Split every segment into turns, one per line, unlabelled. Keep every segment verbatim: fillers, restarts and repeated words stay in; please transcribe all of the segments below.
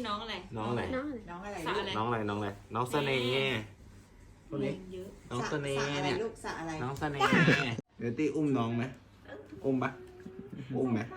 น้องอะไร
น้องอะไร
น้องอะไร
น้องอะไรสระอะไร
น้องอะไร น้องอะไร น้องเสน่ห์คนนี้
เยอะ
น้องเสน่ห์เนี่ย
ลูกสระอะไร
น้องเสน่ห์เดี๋ยวตี้อุ้มน้องไหมอุ้มปะอุ้มไหม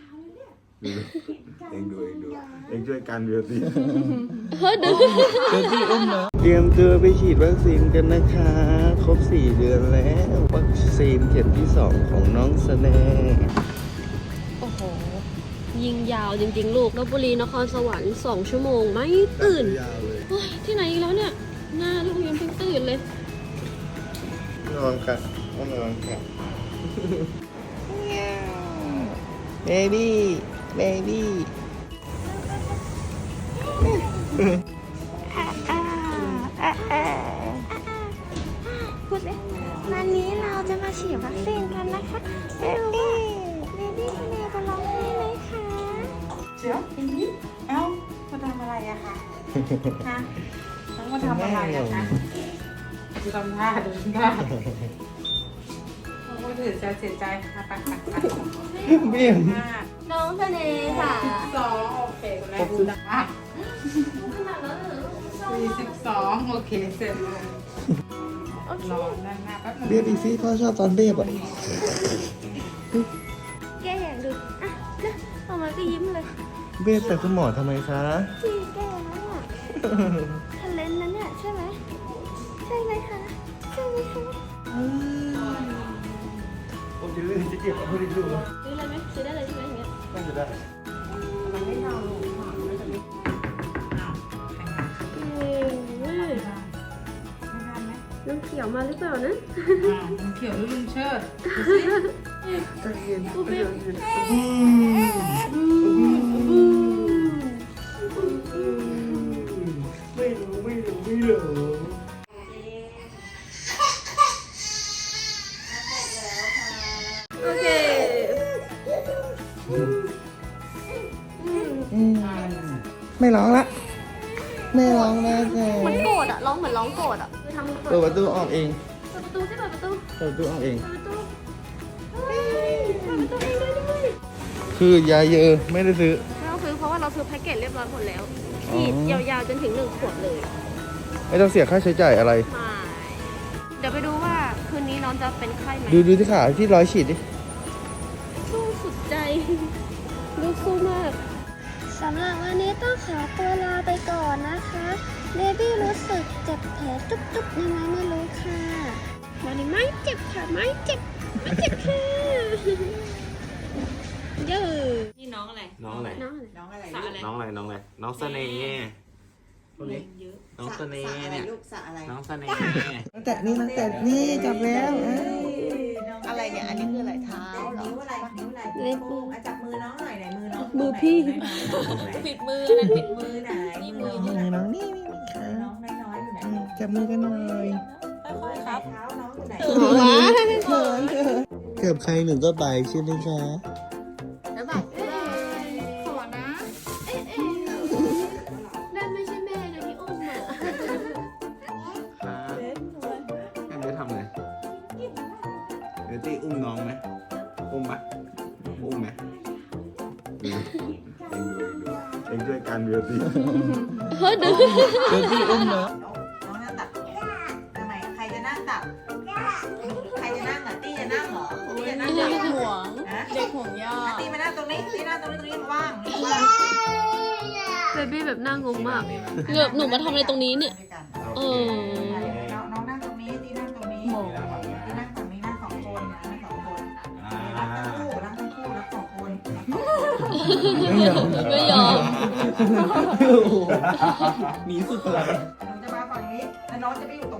เองดูเองดูเองช่วยกันเดี๋ยวตี้
เฮ้ยดู
เดี๋ยวตี้อุ้มน้องเตรียมตัวไปฉีดวัคซีนกันนะคะ ครบสี่เดือนแล้ววัคซีนเข็มที่สองของน้องเสน่ห์
โอ้โห ยิงยาวจริงๆ ลูกลพบุรีนครสวรรค์สองชั่วโมงไม่ตื่น
ยาวเลย
โอ้ยที่ไหนอีกแล้วเนี่ย หน้าลูกยังเพิ่งตื่นเลย
นอนกันนอนกันเบบี้เบบี้
พูดเลยวันนี้เราจะมาฉีดวัคซีนกันนะคะเบบี้เบบี้เนจะร้องไห้ไหมคะ
เดี๋ยวอีนี้เอ้ามาทำอะไรอะคะฮะน้องมาทำอะไรอะคะดูทำท่าดูทำท่าโอ้ยเสียใจเสียใจค่ะปักปักปัก
เบี้ยม
น้องเสน่ห์ค่ะ
สองโอเคคุณแม่ดูนะสี่สิบสองโอเคเสร็จเลยรอนั่นหน้าแป๊บนึง
เบี้ยอีซี่พ่อชอบตอนเบี้ยอ่ะ
แกอยากดูอ่ะนะออกมาก็ยิ้มเลย
เบี้ยแต่คุณหมอทำไมคะ
จีแกนั่นอ่ะทะเลนนั้นเนี่ยใช่ไหมใช่ไหมคะใช่ไหมคะ
ผมจะลื่นจะเจ็บไม่ได้ดู
ซื้อเลยไหมซื้อได้เลยใช่ไหมอย่างเงี้ย
น่าจะได้
มันไม่เท่าลูกหอมไม่จะไม่อ้าวแข่งกัน
เอ้ย
ไม่ทันไหม
น้ำเขียวมาหรือเปล่านะ
อ้าวลุงเขียวหรือลุงเชิดดูสิ
ใจเย็นใจเย็นไม่รู้ไม่รู้ไม่รู้
โอเค
ไม่ร้องละไม่ร้องแล้วแก
เหมือนโกรธอะร้องเหมือนร้องโกรธอะคือทำ
เปิดประตูออกเอง
เปิดประตูสิเปิดประตู
เปิดประตูออกเอง
เปิดประตูเฮ้ยเปิดประตูเองได้ด้วย
คือยาเยอะไม่ได้ซื้อ
ไม่ต้องซื้อเพราะว่าเราซื้อแพ็กเกจเรียบร้อยหมดแล้ว
อ๋อ
ฉีดยาวๆจนถึงหนึ่งขวดเลย
ไม่ต้องเสียค่าใช้จ่ายอะไร
ไม่เดี๋ยวไปดูว่าคืนนี้น้องจะเป็นไข้ไหม
ดูดูที่ขาที่ร้อยฉีดดิ
สู้สุดใจ ลูกสู้มาก
สำหรับวันนี้ต้องขอตัวลาไปก่อนนะคะเบบี้รู้สึกเจ็บแผลจุ๊บๆยังไงไม่รู้ค่ะ
วันนี้ไม่เจ็บค่ะไม่เจ็บไม่เจ็บค่ะเยอะนี่น้องอะไร
น้องอะไร
น้องอะไร
น้องอะไร
สระอะไร
น้องอะไร น้องอะไร น้องเสน่ห์คนนี้
เยอะ
น้องเสน่ห์เนี่ย
ลูกสระอะไร
น้องเสน่ห์น้องแตะนี่น้องแตะนี่จับแล้ว
อะไรเนี่ย อันนี้คืออะไรเท้านิ้วอะไรนิ้วอะไร
เล็บ
มือจับมือน้องหน่อยไหนมือน้อง
มือพี่
ปิดมือนั่นปิดมือไหนนี่มือ
นี่น้องนี่นี่ค่ะ
น้องน้อยๆอยู่ไหน
จับมือกันหน่อย
ค่อยๆครับเท้าน้องอยู่ไหน
หัว
เขินเขินเกือบใครหนึ่งก็ไปใช่ไหมคะ
แล้วแบบขอนะ เอ๊ะเอ๊ะนั่นไม่ใช่แม่นะที่อุ้มอ่ะ
ครับแอมจะทำไงเดี๋ยวตี้อุ้มน้องไหมอุ้มปะอุ้มไหมเองดูเองดูเองช่วยกันเดี๋ยวตี้
เฮ้ยดู
เดี๋ยวตี้อุ้มน้อง
น้องนั่งตักทำไมใครจะนั่งตักใครจะนั่งอ่ะตี้จะนั่งเหรอตี้จะนั่งตักห่วงเด็กห่วงย่าตี้มานั่งตรงนี้ตี้นั่งตรงนี้ตรงนี้ว่างว่าง
เบบี้แบบน่างงมากเกือบหนูมาทำอะไรตรงนี้เนี่ย เออ
น้องน้องนั่งตรงนี้ตีนั่งตรงนี้ตีนั่งฝั่งนี้นั่งสองคนนะนั่งสองคนรักทั้งคู่รักทั้งคู่รักสองคน
ไม่ยอม
ไม่ยอม
หนีสุดพลัง
น้องจะมาฝั่งนี้แล้วน้องจะไปอยู่